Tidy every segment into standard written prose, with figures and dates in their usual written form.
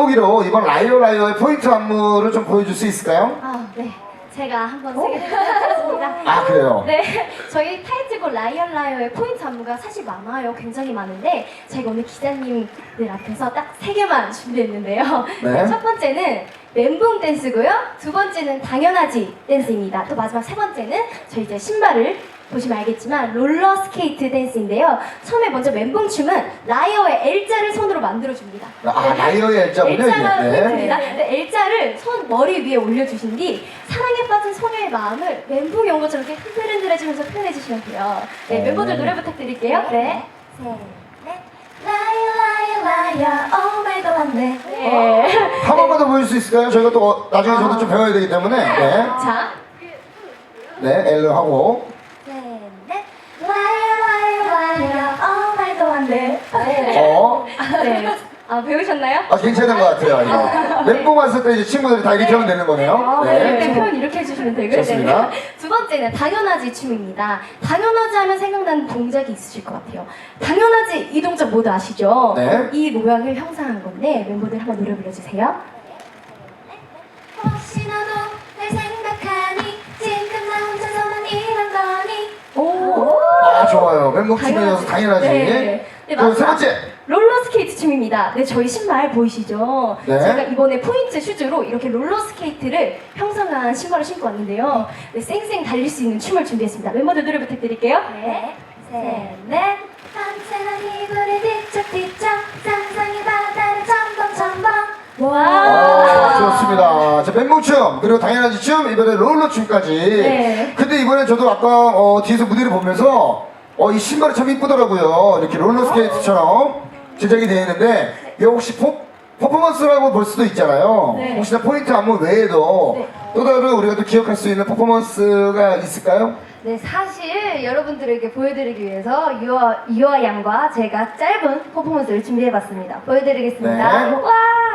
맛보기로 이번 라이어 라이어의 포인트 안무를 좀 보여줄 수 있을까요? 네. 제가 한번 소개해드리도록 하겠습니다. 아, 그래요? 네. 저희 타이틀곡 라이언 라이어의 포인트 안무가 사실 많아요. 굉장히 많은데 저희가 오늘 기자님들 앞에서 딱 3개만 준비했는데요. 네. 첫 번째는 멘붕 댄스고요. 두 번째는 당연하지 댄스입니다. 또 마지막 세 번째는 저희 이제 신발을 보시면 알겠지만 롤러 스케이트 댄스인데요. 처음에 먼저 멘붕 춤은 라이어의 L자를 손으로 만들어줍니다. 아, 라이어의 L자군요. L자가 이게. 네. 포인트입니다. L자를 손 머리 위에 올려주신 뒤 사랑에 빠진 소녀의 마음을 멘붕이 온 것처럼 이렇게 흔들흔들해주면서 표현해주시면 돼요. 네, 멤버들 노래 부탁드릴게요. 네. 셋, 넷. 라이어 라이어 라이어 오 말도 안 돼. 네. 한 번만 더 보여줄 수 있을까요? 저희가 또 나중에 저도 좀 배워야 되기 때문에. 네. 자. 네, L 하고. 셋, 넷. 라이어 라이어 라이어 오 말도 안 돼. 네. 배우셨나요? 괜찮은 것 같아요, 이거. 멘붕 왔을 때 이제 친구들이 다 이렇게 하면 되는 거네요. 네. 표현 이렇게 해주시면 되고요. 좋습니다. 네. 두 번째는 당연하지 춤입니다. 당연하지 하면 생각나는 동작이 있으실 것 같아요. 당연하지 이 동작 모두 아시죠? 네. 이 모양을 형상한 건데 멤버들 한번 노래 불러주세요. 혹시 너도 날 생각하니 지금 나 혼자서만 이런 거니 오. 좋아요. 멘붕 춤이어서 당연하지. 네. 네, 그럼 세 번째. 롤러 스케이트 춤입니다. 네, 저희 신발 보이시죠? 네. 제가 이번에 포인트 슈즈로 이렇게 롤러 스케이트를 형성한 신발을 신고 왔는데요. 네, 쌩쌩 달릴 수 있는 춤을 준비했습니다. 멤버들 노래 부탁드릴게요. 네. 셋, 넷. 밤새는 이불을 뒤척뒤척 상상의 바다를 첨벙첨벙. 좋습니다. 자, 멘붕춤, 그리고 당연하지 춤, 이번에 롤러 춤까지. 네. 근데 이번에 저도 아까 뒤에서 무대를 보면서 이 신발이 참 이쁘더라고요. 이렇게 롤러 스케이트처럼 제작이 되어 있는데, 이거 혹시 퍼포먼스라고 볼 수도 있잖아요. 네. 혹시나 포인트 안무 외에도 네. 또 다른 우리가 또 기억할 수 있는 퍼포먼스가 있을까요? 네, 사실 여러분들에게 보여드리기 위해서 유아 양과 제가 짧은 퍼포먼스를 준비해봤습니다. 보여드리겠습니다. 네. 와!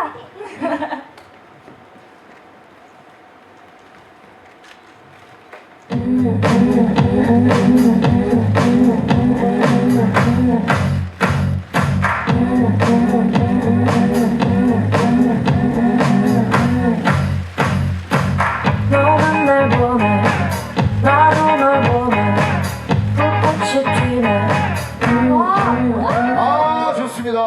너만 날 보내 나도 널 보내 불꽃이 튀네 좋습니다.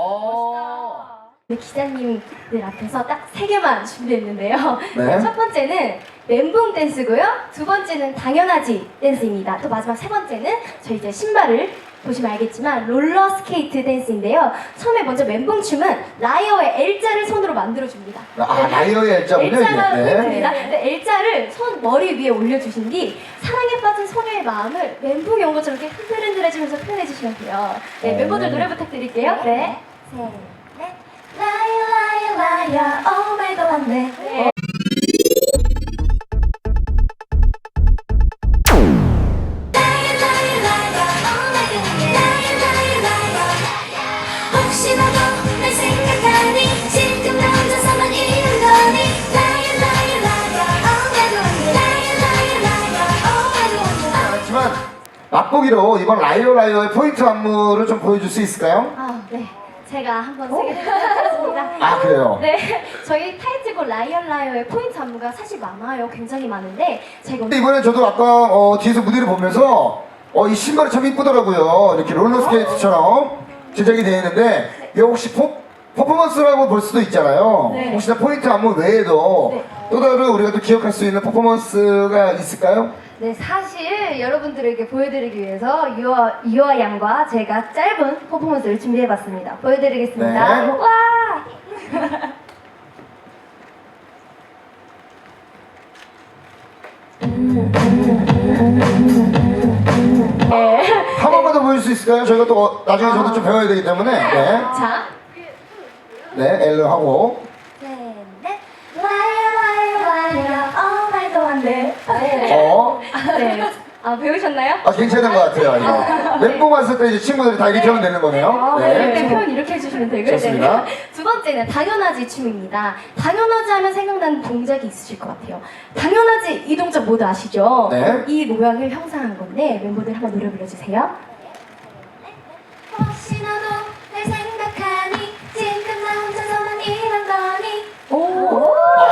네, 기자님들 앞에서 딱 3개만 준비했는데요. 네. 첫 번째는 멘붕 댄스고요. 두 번째는 당연하지 댄스입니다. 또 마지막 세 번째는 저희 이제 신발을 보시면 알겠지만 롤러 스케이트 댄스인데요. 처음에 먼저 멘붕 춤은 라이어의 L자를 손으로 만들어줍니다. 라이어의 L자군요. L자가 이게. 포인트입니다. 네, L자를 손 머리 위에 올려주신 뒤 사랑에 빠진 소녀의 마음을 멘붕이 온 것처럼 이렇게 흔들흔들해주면서 표현해주시면 돼요. 네, 멤버들 노래 부탁드릴게요. 네. 셋, 넷. 라이어 라이어 라이어 오 말도 안 돼. 네. 혹시 너도 날 생각하니 지금 나 혼자서만 이런 거니 라이어 라이어 라이어 oh 말도 안돼 라이어 라이어 라이어 oh 말도 안돼 하지만 맛보기로 이번 라이어 라이어의 포인트 안무를 좀 보여줄 수 있을까요? 네. 제가 한번 소개해드리도록 하겠습니다. 그래요? 네. 저희 타이틀곡 라이언 라이어의 포인트 안무가 사실 많아요. 굉장히 많은데 저희가 근데 이번에 저도 아까 뒤에서 무대를 보면서 이 신발이 참 이쁘더라고요. 이렇게 롤러 스케이트처럼 제작이 되어 있는데, 이거 혹시 퍼포먼스라고 볼 수도 있잖아요. 네. 혹시나 포인트 안무 외에도 네. 또 다른 우리가 또 기억할 수 있는 퍼포먼스가 있을까요? 네, 사실 여러분들에게 보여드리기 위해서 유아 양과 제가 짧은 퍼포먼스를 준비해봤습니다. 보여드리겠습니다. 네. 와! 한 번만 더 보여줄 수 있을까요? 저희가 또 나중에 저도 좀 배워야 되기 때문에. 네. 자. 네, L 하고. 셋, 넷. 라이어 라이어 라이어 오 말도 안 돼. 네. 배우셨나요? 괜찮은 것 같아요, 이거. 멘붕 왔을 때 이제 친구들이 다 이렇게 하면 되는 거네요. 네. 표현 이렇게 해주시면 되고요. 좋습니다. 네. 두 번째는 당연하지 춤입니다. 당연하지 하면 생각나는 동작이 있으실 것 같아요. 당연하지 이 동작 모두 아시죠? 네. 이 모양을 형상한 건데 멤버들 한번 노래 불러주세요. 혹시 너도 날 생각하니 지금 나 혼자서만 이런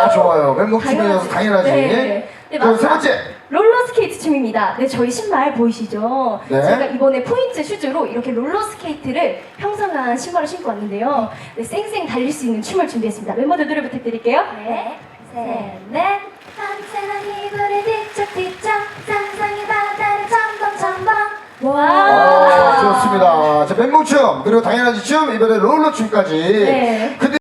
아, 좋아요. 멘붕춤이어서 당연하지. 네. 네, 그럼 세 마지막 번째. 롤러스케이트 춤입니다. 네, 저희 신발 보이시죠? 네. 제가 이번에 포인트 슈즈로 이렇게 롤러스케이트를 형성한 신발을 신고 왔는데요. 네, 쌩쌩 달릴 수 있는 춤을 준비했습니다. 멤버들 노래 부탁드릴게요. 네, 셋, 넷. 밤새는 이불을 뒤척뒤척 상상의 바다를 첨벙첨벙. 아, 좋습니다. 자, 멘붕춤, 그리고 당연하지 춤, 이번에 롤러춤까지. 네. 근데